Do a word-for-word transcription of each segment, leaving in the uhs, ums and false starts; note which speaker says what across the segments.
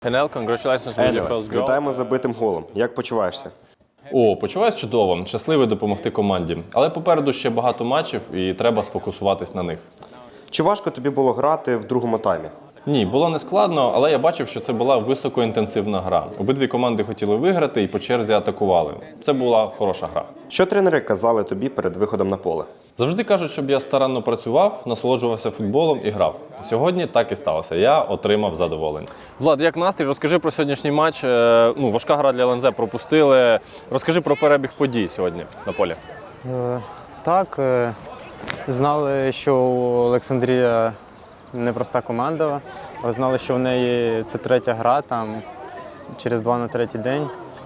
Speaker 1: Енел, congratulations with your first goal.
Speaker 2: Вітаємо з забитим голом. Як почуваєшся?
Speaker 1: О, почуваюсь чудово, щасливий допомогти команді. Але попереду ще багато матчів і треба сфокусуватись на них.
Speaker 2: Чи важко тобі було грати в другому таймі?
Speaker 1: Ні, було не складно, але я бачив, що це була високоінтенсивна гра. Обидві команди хотіли виграти і по черзі атакували. Це була хороша гра.
Speaker 2: Що тренери казали тобі перед виходом на поле?
Speaker 1: Завжди кажуть, щоб я старанно працював, насолоджувався футболом і грав. Сьогодні так і сталося. Я отримав задоволення. Влад, як настрій? Розкажи про сьогоднішній матч. Е, Ну, важка гра для ел ен зет пропустили. Розкажи про перебіг подій сьогодні на полі.
Speaker 3: Е, Так, е, знали, що Олександрія непроста команда, але знали, що в неї це третя гра, там через два на третій день.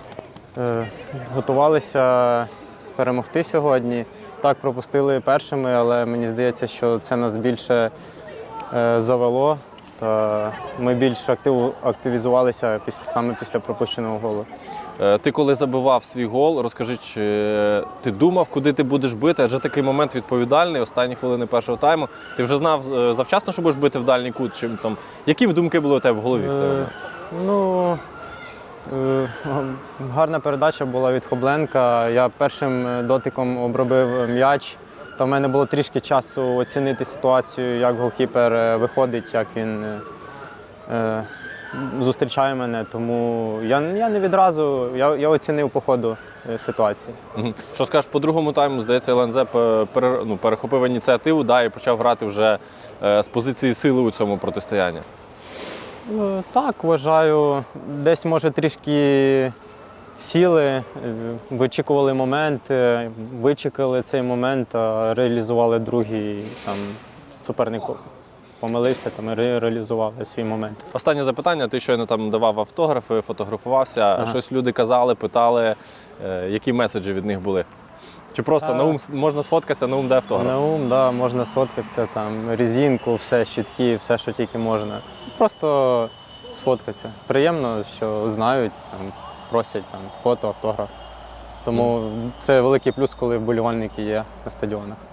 Speaker 3: Е, Готувалися перемогти сьогодні. Так, пропустили першими, але мені здається, що це нас більше е, завело. Та ми більш актив, активізувалися після, саме після пропущеного голу.
Speaker 1: Е, Ти коли забивав свій гол, розкажи, чи ти думав, куди ти будеш бити? Адже такий момент відповідальний, останні хвилини першого тайму. Ти вже знав е, завчасно, що будеш бити в дальній кут? Чи, там, які думки були у тебе в голові в цей момент?
Speaker 3: Е, Ну, е, гарна передача була від Хобленка. Я першим дотиком обробив м'яч. Та в мене було трішки часу оцінити ситуацію, як голкіпер виходить, як він е, е, зустрічає мене. Тому я, я не відразу, я, я оцінив по ходу ситуації.
Speaker 1: Мгм. Що скажеш, по другому тайму, здається, ел ен зет пере, ну, перехопив ініціативу, да, і почав грати вже е, з позиції сили у цьому протистоянні.
Speaker 3: Е, Так, вважаю, десь може трішки сіли, е, вичікували момент, е, вичекали цей момент, а реалізували другий. Там суперник помилився, там і ре- реалізували свій момент.
Speaker 1: Останнє запитання. Ти щойно там давав автографи, фотографувався. Ага. Щось люди казали, питали, е, які меседжі від них були? Чи просто
Speaker 3: А...
Speaker 1: Наум можна сфоткатися, Наум дає автограф?
Speaker 3: Наум, да, можна сфоткатися, там, резинку, все, щитки, все, що тільки можна. Просто сфоткатися. Приємно, що знають, там, просять там, фото, автограф. Тому mm. це великий плюс, коли вболівальники є на стадіонах.